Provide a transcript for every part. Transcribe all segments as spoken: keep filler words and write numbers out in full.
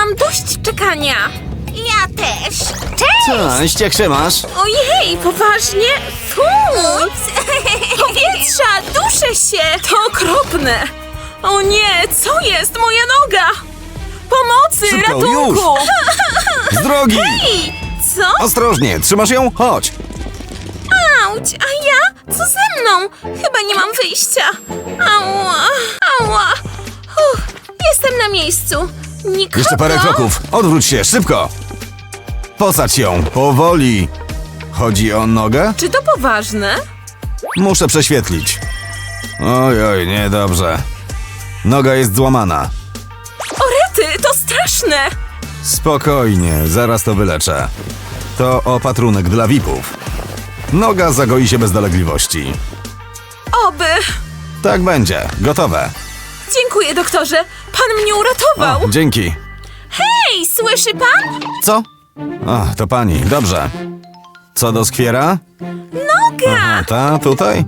mam dość czekania. Ja też. Cześć! Cześć, jak się masz? Ojej, poważnie? Fuj! Powietrza, duszę się! To okropne! O nie, co jest? Moja noga! Pomocy, Szybko, ratunku! Z drogi! Ej, co? Ostrożnie, trzymasz ją? Chodź! Auć, a ja? Co ze mną? Chyba nie mam wyjścia. Ała, ała. Uff, jestem na miejscu. Nikogo? Jeszcze parę kroków. Odwróć się, szybko! Posadź ją, powoli. Chodzi o nogę? Czy to poważne? Muszę prześwietlić. Oj, oj, niedobrze. Noga jest złamana. Orety, to straszne! Spokojnie, zaraz to wyleczę. To opatrunek dla V I P-ów. Noga zagoi się bez dolegliwości. Oby. Tak będzie, gotowe. Dziękuję, doktorze. Pan mnie uratował. O, dzięki. Hej, słyszy pan? Co? O, to pani, dobrze. Co do skwiera? Noga! A ta, tutaj?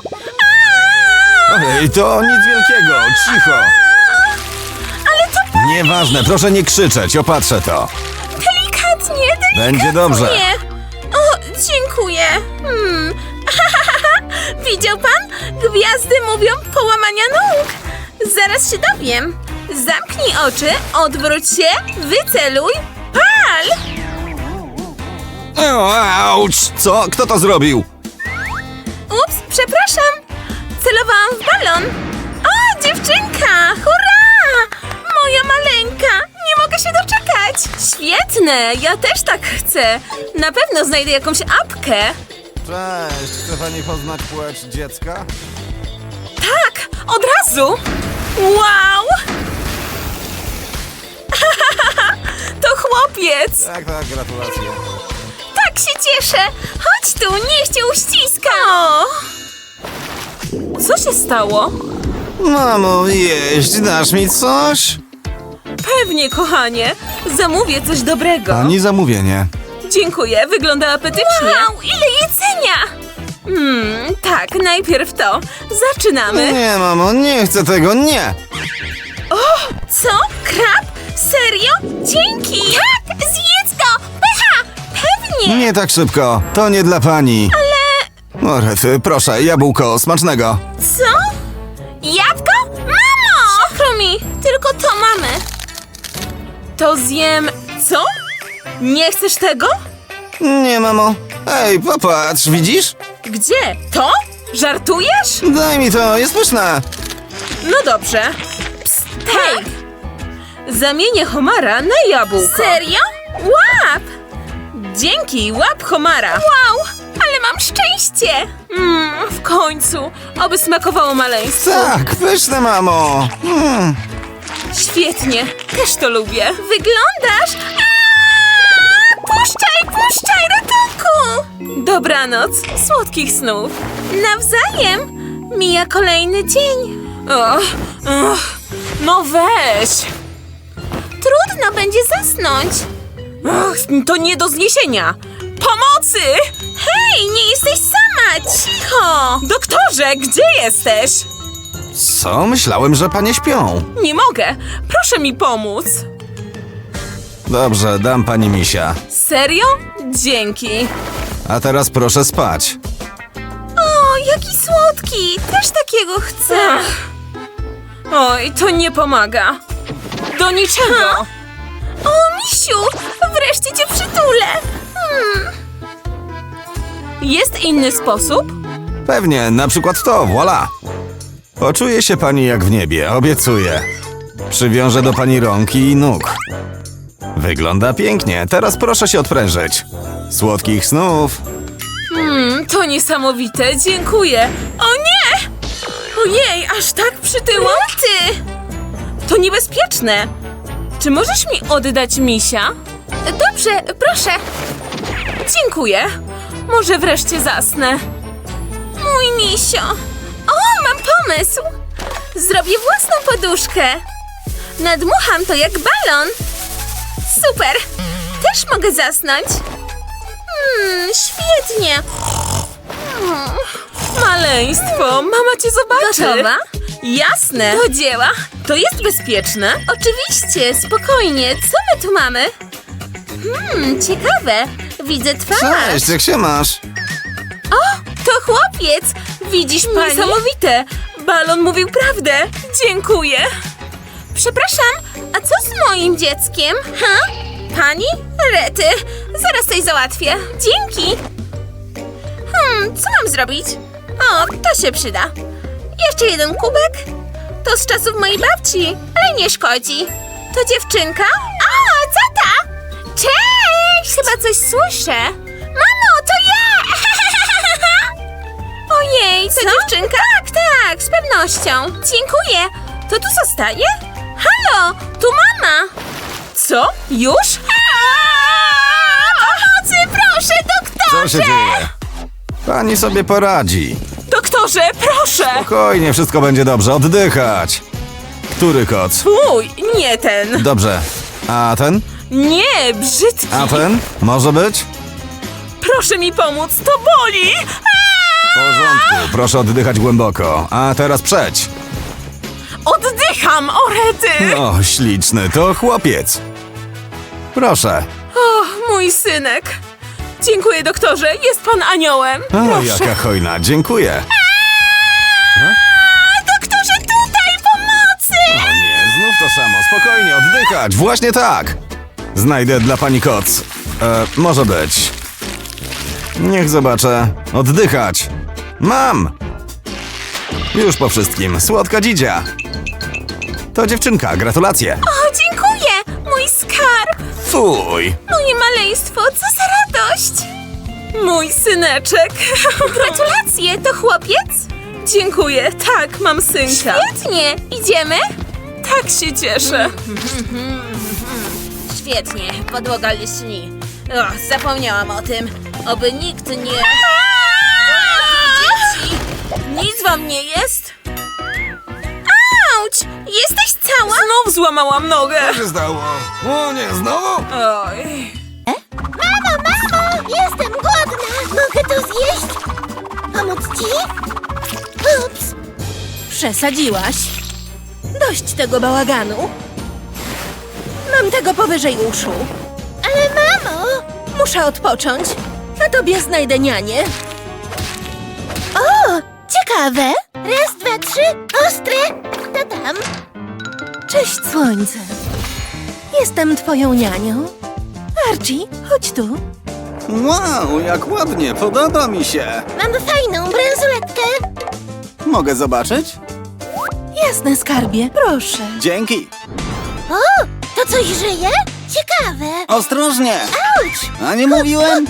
Ojej, to nic wielkiego, cicho. Ale to pan... Nieważne, proszę nie krzyczeć, opatrzę to. Delikatnie, delikatnie. Będzie dobrze. O, dziękuję. Hmm. Widział pan? Gwiazdy mówią połamania nóg. Zaraz się dowiem. Zamknij oczy, odwróć się, wyceluj, pal! O, auć! Co? Kto to zrobił? Ups, przepraszam. Celowałam w balon. O, dziewczynka! Hurra! Moja maleńka! Nie mogę się doczekać. Świetne, ja też tak chcę. Na pewno znajdę jakąś apkę. Cześć, chce pani poznać płeć dziecka? Tak, od razu! Wow! To chłopiec! Tak, tak, gratulacje. Tak się cieszę! Chodź tu, niech cię uściska! O! Co się stało? Mamo, jeść, dasz mi coś? Pewnie, kochanie. Zamówię coś dobrego. Pani zamówienie. Dziękuję, wygląda apetycznie. Wow, ile jedzenia! Hmm, tak, najpierw to. Zaczynamy. Nie, mamo, nie chcę tego, nie! Co? Krab? Serio? Dzięki! Tak, zjedz go! Pycha! Pewnie! Nie tak szybko, to nie dla pani. Ale... O, rety, proszę, jabłko, smacznego. Co? Jabłko? Mamo! Przykro mi, tylko to mamy. To zjem... Co? Nie chcesz tego? Nie, mamo. Ej, popatrz, widzisz? Gdzie? To? Żartujesz? Daj mi to, jest pyszne. No dobrze. Psst, hej! Zamienię homara na jabłko. Serio? Łap! Dzięki, łap homara. Wow, ale mam szczęście. Mmm, w końcu. Oby smakowało maleństwu. Tak, pyszne, mamo. Mm. Świetnie, też to lubię. Wyglądasz... Aaaa! Puszczaj, puszczaj, ratunku! Dobranoc, słodkich snów. Nawzajem. Mija kolejny dzień. Och, och, no weź. Trudno będzie zasnąć. Och, to nie do zniesienia. Pomocy! Hej, nie jesteś sama, cicho! Doktorze, gdzie jesteś? Co? Myślałem, że panie śpią. Nie mogę, proszę mi pomóc. Dobrze, dam pani misia. Serio? Dzięki. A teraz proszę spać. O, jaki słodki! Też takiego chcę. Oj, to nie pomaga. Do niczego. O, misiu! Wreszcie cię przytulę. Hmm. Jest inny sposób? Pewnie, na przykład to, voilà. Poczuje się pani jak w niebie, obiecuję. Przywiążę do pani rąk i nóg. Wygląda pięknie, teraz proszę się odprężyć. Słodkich snów. Hmm, to niesamowite, dziękuję. O nie! Ojej, aż tak przytyłam? Ty! To niebezpieczne. Czy możesz mi oddać misia? Dobrze, proszę. Dziękuję. Może wreszcie zasnę. Mój misio. O, mam pomysł. Zrobię własną poduszkę. Nadmucham to jak balon. Super. Też mogę zasnąć. Hmm, świetnie. Hmm. Maleństwo, mama cię zobaczy. Gotowa? Jasne. Do dzieła. To jest bezpieczne? Oczywiście, spokojnie. Co my tu mamy? Hmm, ciekawe. Widzę twarz. Cześć, jak się masz? O, to chłopiec. Widzisz, pani? Niesamowite. Balon mówił prawdę. Dziękuję. Przepraszam, a co z moim dzieckiem? Ha? Pani? Rety. Zaraz coś załatwię. Dzięki. Hmm, co mam zrobić? O, to się przyda. Jeszcze jeden kubek? To z czasów mojej babci, ale nie szkodzi. To dziewczynka? O, co ta? Cześć! Chyba coś słyszę. Mamo, to ja! Ojej, to dziewczynka? Tak, tak, z pewnością. Dziękuję. To tu zostaje? Halo, tu mama. Co? Już? Pomocy, proszę, doktorze! Co się dzieje? Pani sobie poradzi. Doktorze, proszę! Spokojnie, wszystko będzie dobrze. Oddychać. Który koc? Mój, nie ten. Dobrze. A ten? Nie, brzydki. A ten? Może być? Proszę mi pomóc, to boli! W porządku, proszę oddychać głęboko. A teraz przeć. Oddycham, orety! O, śliczny, to chłopiec. Proszę. O, mój synek. Dziękuję, doktorze, jest pan aniołem. O, Proszę. jaka hojna, dziękuję. Doktorze, tutaj pomocy! O nie, znów to samo. Spokojnie, oddychać. Właśnie tak. Znajdę dla pani koc. E, może być. Niech zobaczę. Oddychać. Mam. Już po wszystkim. Słodka dzidzia. To dziewczynka, gratulacje. O, dziękuję, mój skarb. Fuj. Moje maleństwo, co za radość! Mój syneczek. Gratulacje, to chłopiec? Dziękuję, tak, mam synka. Świetnie, idziemy? Tak się cieszę. Świetnie, podłoga lśni. O, zapomniałam o tym. Oby nikt nie... Dzieci! Nic wam nie jest? Auć! Jesteś cała? Znów złamałam nogę. Co się stało? O nie, znowu? Oj... Mamo, mamo! Jestem głodna! Mogę to zjeść? Pomóc ci? Ups! Przesadziłaś. Dość tego bałaganu. Mam tego powyżej uszu. Ale mamo! Muszę odpocząć. A tobie znajdę nianię. O! Ciekawe! Raz, dwa, trzy, ostre! To tam! Cześć, słońce. Jestem twoją nianią. Archie, chodź tu. Wow, jak ładnie, podoba mi się. Mam fajną bransoletkę! Mogę zobaczyć? Jasne, skarbie, proszę. Dzięki. O! To coś żyje? Ciekawe! Ostrożnie. Auć! A nie mówiłem?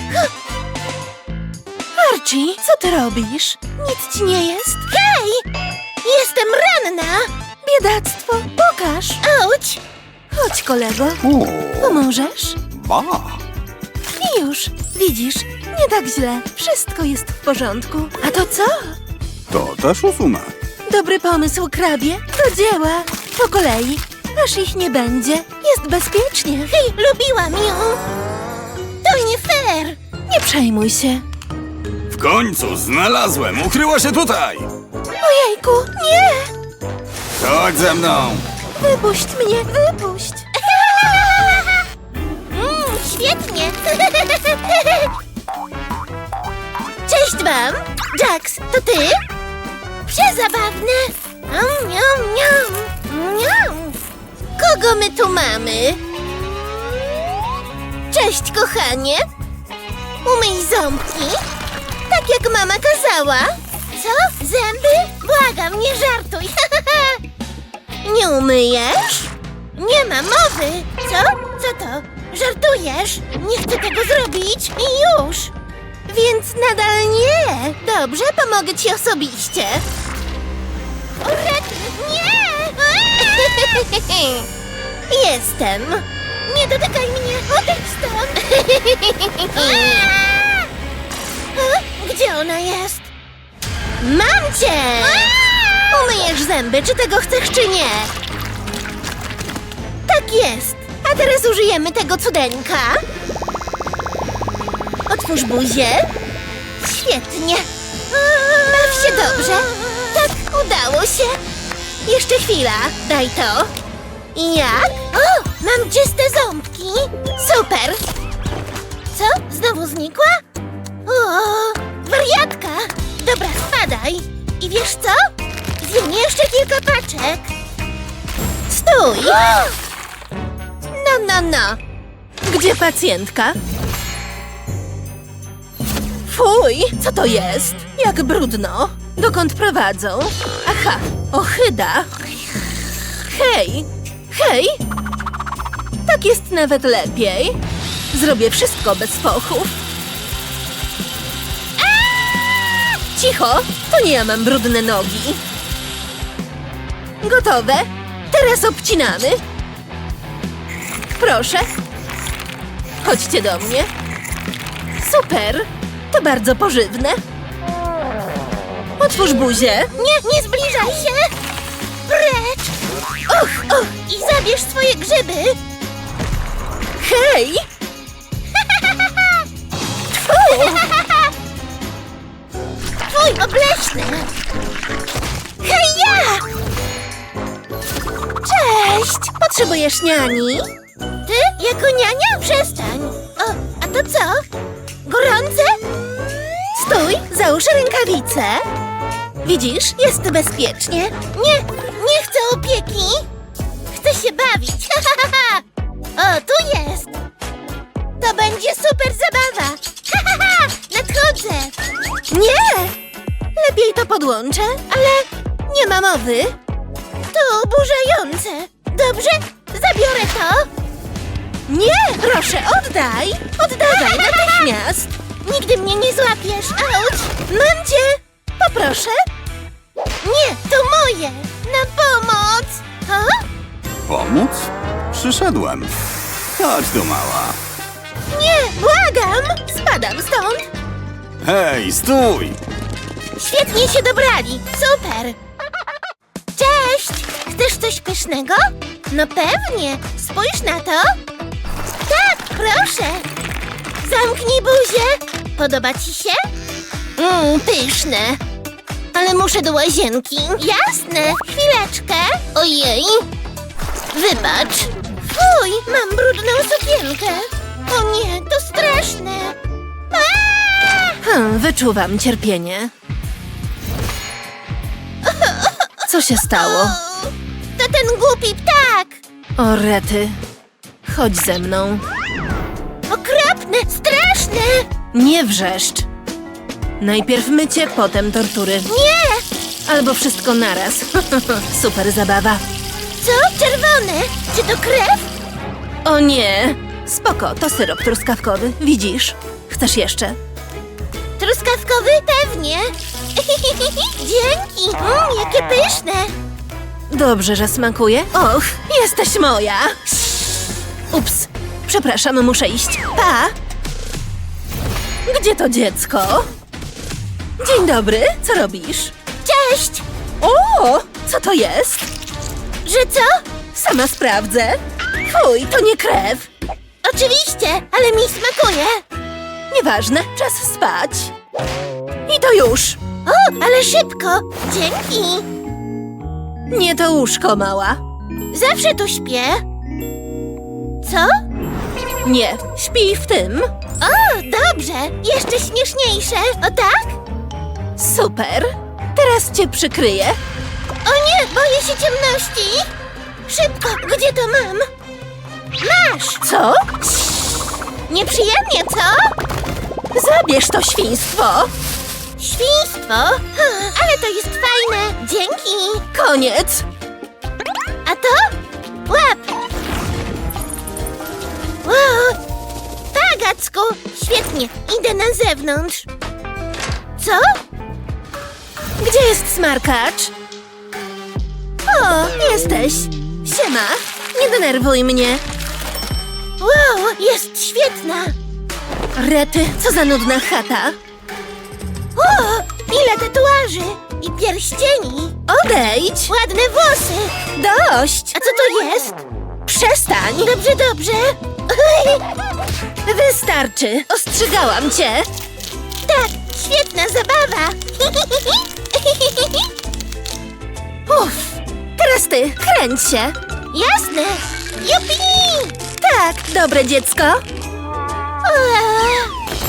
Archie, co ty robisz? Nic ci nie jest? Hej! Jestem ranna! Biedactwo, pokaż. Auć! Chodź, kolego. Uuu, Pomożesz? ba. I już, widzisz, nie tak źle. Wszystko jest w porządku. A to co? To też usunę. Dobry pomysł, krabie. Do dzieła. Po kolei. Aż ich nie będzie. Jest bezpiecznie. Hej, lubiłam ją! To nie fair! Nie przejmuj się. W końcu znalazłem. Ukryła się tutaj. Ojejku, nie! Chodź ze mną. Wypuść mnie, wypuść. Mm, świetnie! Cześć wam! Jax, to ty? Przezabawne! Miam, miam, miam, miam. Kogo my tu mamy? Cześć, kochanie! Umyj ząbki, tak jak mama kazała. Co? Zęby? Błagam, nie żartuj! Nie umyjesz? Nie ma mowy! Co? Co to? Żartujesz? Nie chcę tego zrobić i już! Więc nadal nie! Dobrze, pomogę ci osobiście. O rety, nie! Jestem! Nie dotykaj mnie! Odejdź stąd! A? Gdzie ona jest? Mam cię! Umyjesz zęby, czy tego chcesz, czy nie? Tak jest! A teraz użyjemy tego cudeńka. Otwórz buzię. Świetnie. Baw się dobrze. Tak, udało się. Jeszcze chwila, daj to. I jak? O, mam czyste ząbki. Super. Co? Znowu znikła? O, wariatka. Dobra, spadaj. I wiesz co? Zjem jeszcze kilka paczek. Stój. No, no, no. Gdzie pacjentka? Fuj, co to jest? Jak brudno. Dokąd prowadzą? Aha, ohyda. Hej, hej. Tak jest nawet lepiej. Zrobię wszystko bez fochów. Cicho, to nie ja mam brudne nogi. Gotowe? Teraz obcinamy. Proszę. Chodźcie do mnie. Super, to bardzo pożywne. Otwórz buzię. Nie, nie zbliżaj się. Precz. Och, och, i zabierz swoje grzyby. Hej! Twój obleśny. Hej, ja! Cześć! Potrzebujesz niani? Ty? Jako niania? Przestań. O, a to co? Gorące? Stój, załóż rękawice. Widzisz, jest bezpiecznie. Nie, nie chcę opieki. Chcę się bawić. O, tu jest. To będzie super zabawa. Nadchodzę. Nie! Lepiej to podłączę, ale nie ma mowy. To oburzające. Dobrze, zabiorę to. Nie, proszę, oddaj! Oddawaj natychmiast! Nigdy mnie nie złapiesz. Auć. Mam cię! Poproszę. Nie, to moje. Na pomoc. O? Pomóc? Przyszedłem. Chodź tu, mała. Nie, błagam. Spadam stąd. Hej, stój! Świetnie się dobrali. Super. Cześć. Chcesz coś pysznego? No pewnie. Spójrz na to. Tak, proszę. Zamknij buzię. Podoba ci się? Mmm, pyszne. Ale muszę do łazienki. Jasne. Chwileczkę. Ojej. Wybacz. Fuj, mam brudną sukienkę. O nie, to straszne. Aaaa! Hmm, wyczuwam cierpienie. Co się stało? O, to ten głupi ptak. O rety. Chodź ze mną. Okropne, straszne. Nie wrzeszcz. Najpierw mycie, potem tortury. Nie. Albo wszystko naraz. Super zabawa. Co? Czerwone? Czy to krew? O nie! Spoko, to syrop truskawkowy. Widzisz? Chcesz jeszcze? Truskawkowy? Pewnie. Dzięki. Mm, jakie pyszne. Dobrze, że smakuje. Och, jesteś moja! Ups, przepraszam, muszę iść. Pa! Gdzie to dziecko? Dzień dobry, co robisz? Cześć. O, co to jest? Że co? Sama sprawdzę. Fuj, to nie krew. Oczywiście, ale mi smakuje. Nieważne, czas spać. I to już. O, ale szybko. Dzięki. Nie to łóżko, mała. Zawsze tu śpię. Co? Nie, śpij w tym. O, dobrze. Jeszcze śmieszniejsze. O tak? Super. Teraz cię przykryję. O nie, boję się ciemności. Szybko, gdzie to mam? Masz. Co? Nieprzyjemnie, co? Zabierz to świństwo. Świństwo? Hmm, ale to jest fajne. Dzięki. Koniec. A to? Łap. Wow. Pagacku. Świetnie. Idę na zewnątrz. Co? Gdzie jest smarkacz? O, jesteś. Siema. Nie denerwuj mnie. Wow, jest świetna. Rety, co za nudna chata. O, ile tatuaży i pierścieni. Odejdź. Ładne włosy. Dość. A co to jest? Przestań. Dobrze, dobrze. Wystarczy. Ostrzegałam cię. Tak, świetna zabawa. Uff, Teraz ty, kręć się. Jasne! Jupi! Tak, dobre dziecko. Eee.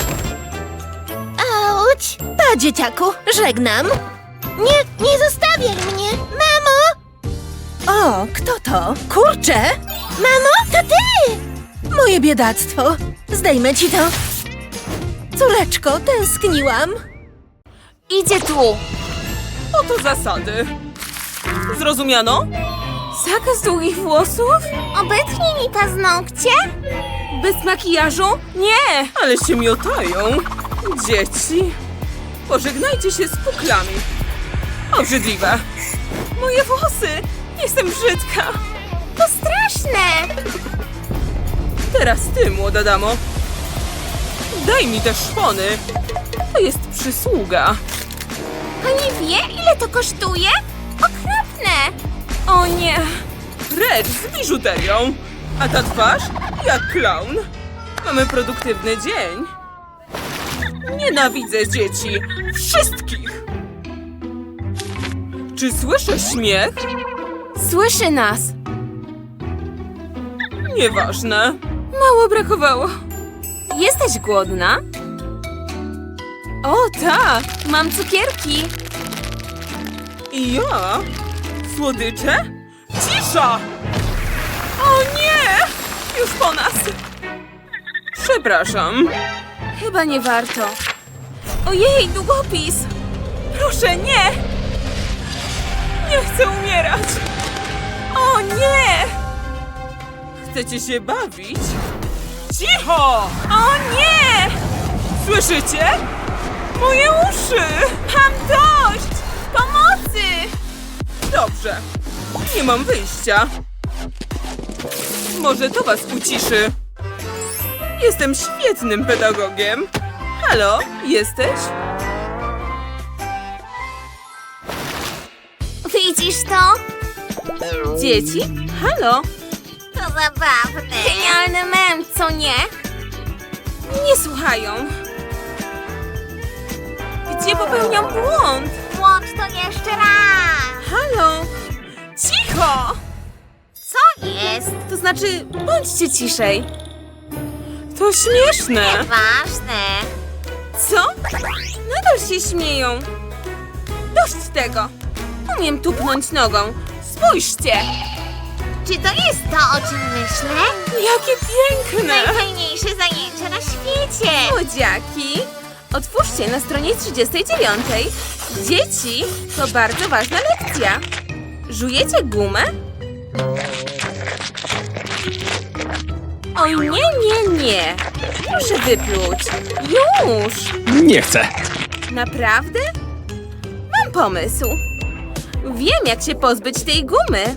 Auć! Pa, dzieciaku, żegnam. Nie, nie zostawiaj mnie! Mamo! O, kto to? Kurczę! Mamo, to ty! Moje biedactwo. Zdejmę ci to. Córeczko, tęskniłam. Idzie tu! Oto zasady. Zrozumiano? Zakaz długich włosów? Obetnij mi paznokcie! Bez makijażu? Nie! Ale się miotają. Dzieci. Pożegnajcie się z puklami. Obrzydliwe. Moje włosy. Jestem brzydka. To straszne! Teraz ty, młoda damo. Daj mi te szpony. To jest przysługa. Pani wie, ile to kosztuje? Okropne! O nie! Precz z biżuterią! A ta twarz? Jak klaun. Mamy produktywny dzień. Nienawidzę dzieci. Wszystkich! Czy słyszę śmiech? Słyszy nas. Nieważne. Mało brakowało. Jesteś głodna? O tak! Mam cukierki. I ja? Słodycze? Cisza! O nie! Już po nas! Przepraszam. Chyba nie warto. Ojej, długopis! Proszę, nie! Nie chcę umierać! O nie! Chcecie się bawić? Cicho! O nie! Słyszycie? Moje uszy! Mam dość! Pomocy! Dobrze. Nie mam wyjścia. Może to was uciszy. Jestem świetnym pedagogiem. Halo, jesteś? Widzisz to? Dzieci? Halo? To zabawne! Genialny mem, co nie? Nie słuchają. Gdzie popełniam błąd? Włącz to jeszcze raz! Halo? Cicho! Co jest? To znaczy, bądźcie ciszej. To śmieszne. Ważne! Co? Nadal się śmieją. Dość tego. Umiem tupnąć nogą. Spójrzcie. Czy to jest to, o czym myślę? Jakie piękne. Najfajniejsze zajęcie na świecie! Młodziaki, otwórzcie na stronie trzydziestej dziewiątej. Dzieci, to bardzo ważna lekcja. Żujecie gumę? Oj, nie, nie, nie. Proszę wypluć. Już. Nie chcę. Naprawdę? Mam pomysł. Wiem, jak się pozbyć tej gumy.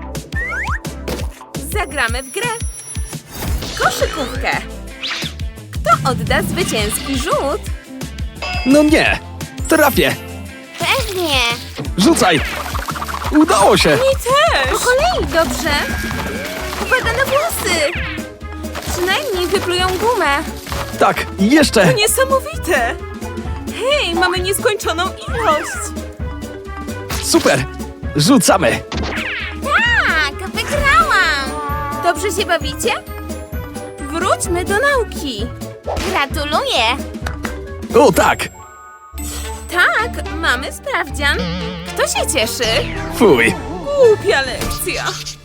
Zagramy w grę. Koszykówkę. Kto odda zwycięski rzut? No nie. Trafię. Pewnie! Rzucaj. Udało się. Mi też. Po kolei, dobrze? Uwaga na włosy. Przynajmniej wyplują gumę. Tak, jeszcze. To niesamowite. Hej, mamy nieskończoną ilość. Super. Rzucamy. Tak, wygrałam! Dobrze się bawicie? Wróćmy do nauki. Gratuluję! O tak. Tak, mamy sprawdzian. Kto się cieszy? Fuj. Głupia lekcja.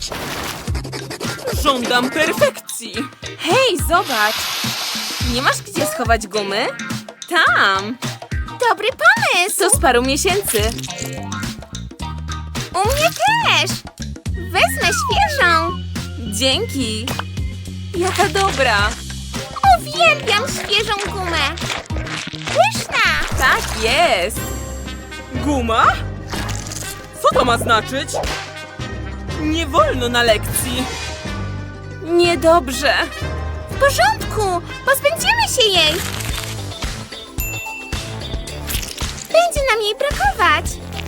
Żądam perfekcji. Hej, zobacz. Nie masz gdzie schować gumy? Tam. Dobry pomysł! To z paru miesięcy. U mnie też! Wezmę świeżą! Dzięki. Jaka dobra. Uwielbiam świeżą gumę! Pyszna! Tak jest. Guma? Co to ma znaczyć? Nie wolno na lekcji. Niedobrze. W porządku! Pozbędziemy się jej! Będzie nam jej brakować!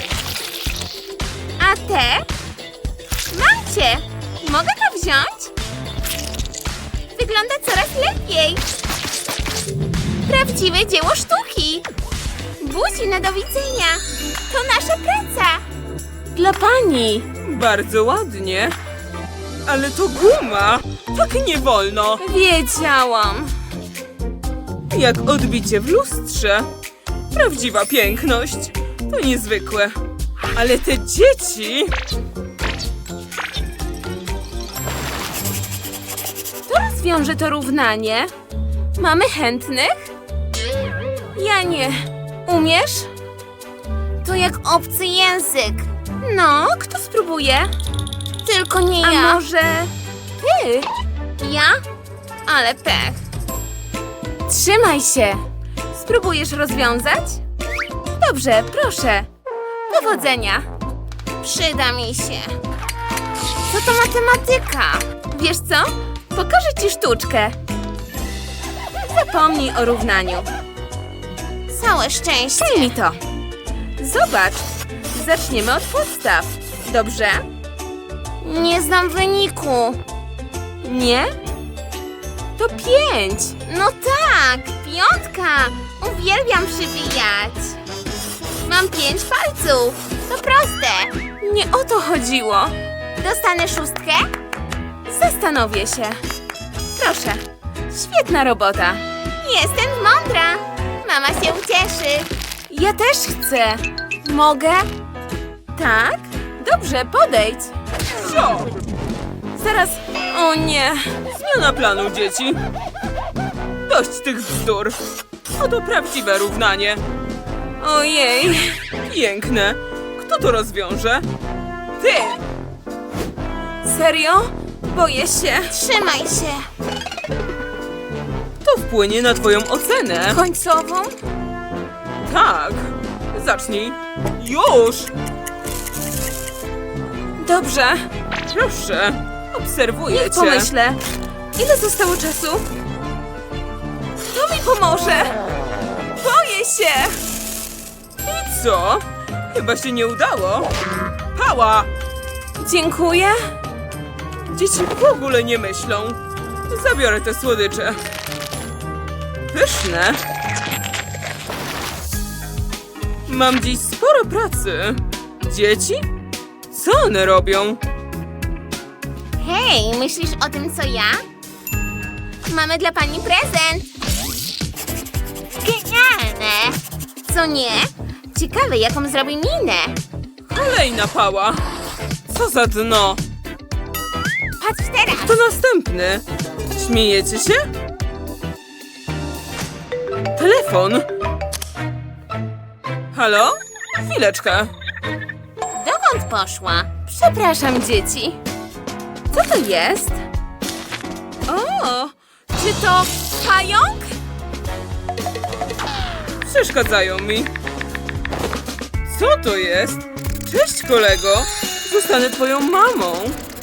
A te? Mam cię! Mogę to wziąć? Wygląda coraz lepiej! Prawdziwe dzieło sztuki! Buzi na do widzenia! To nasza praca! Dla pani. Bardzo ładnie. Ale to guma. Tak nie wolno. Wiedziałam. Jak odbicie w lustrze. Prawdziwa piękność. To niezwykłe. Ale te dzieci... To rozwiąże to równanie. Mamy chętnych? Ja nie. Umiesz? To jak obcy język. No, kto spróbuje? Tylko nie A ja. może ty? Ja? Ale pech. Trzymaj się. Spróbujesz rozwiązać? Dobrze, proszę. Powodzenia. Przyda mi się. Co to matematyka? Wiesz co? Pokażę ci sztuczkę. Zapomnij o równaniu. Całe szczęście. Daj mi to. Zobacz. Zaczniemy od podstaw. Dobrze? Nie znam wyniku. Nie? To pięć. No tak, piątka. Uwielbiam przybijać. Mam pięć palców. To proste. Nie o to chodziło. Dostanę szóstkę? Zastanowię się. Proszę. Świetna robota. Jestem mądra. Mama się ucieszy. Ja też chcę. Mogę? Tak? Dobrze, podejdź. Co? Zaraz. O nie. Zmiana planu, dzieci. Dość tych bzdur. Oto prawdziwe równanie. Ojej. Piękne. Kto to rozwiąże? Ty. Serio? Boję się. Trzymaj się. To wpłynie na twoją ocenę. Końcową? Tak. Zacznij. Już! Dobrze. Proszę. Obserwuję cię. Pomyślę. Ile zostało czasu? Kto mi pomoże? Boję się. I co? Chyba się nie udało. Pała! Dziękuję. Dzieci w ogóle nie myślą. Zabiorę te słodycze. Pyszne. Mam dziś sporo pracy. Dzieci? Co one robią? Hej, myślisz o tym, co ja? Mamy dla pani prezent. Genialne. Co nie? Ciekawe, jaką zrobi minę. Kolejna pała. Co za dno. Patrz teraz. To następny. Śmiejecie się? Telefon. Halo? Chwileczkę. Dokąd poszła? Przepraszam, dzieci. Co to jest? O, czy to pająk? Przeszkadzają mi. Co to jest? Cześć, kolego. Zostanę twoją mamą.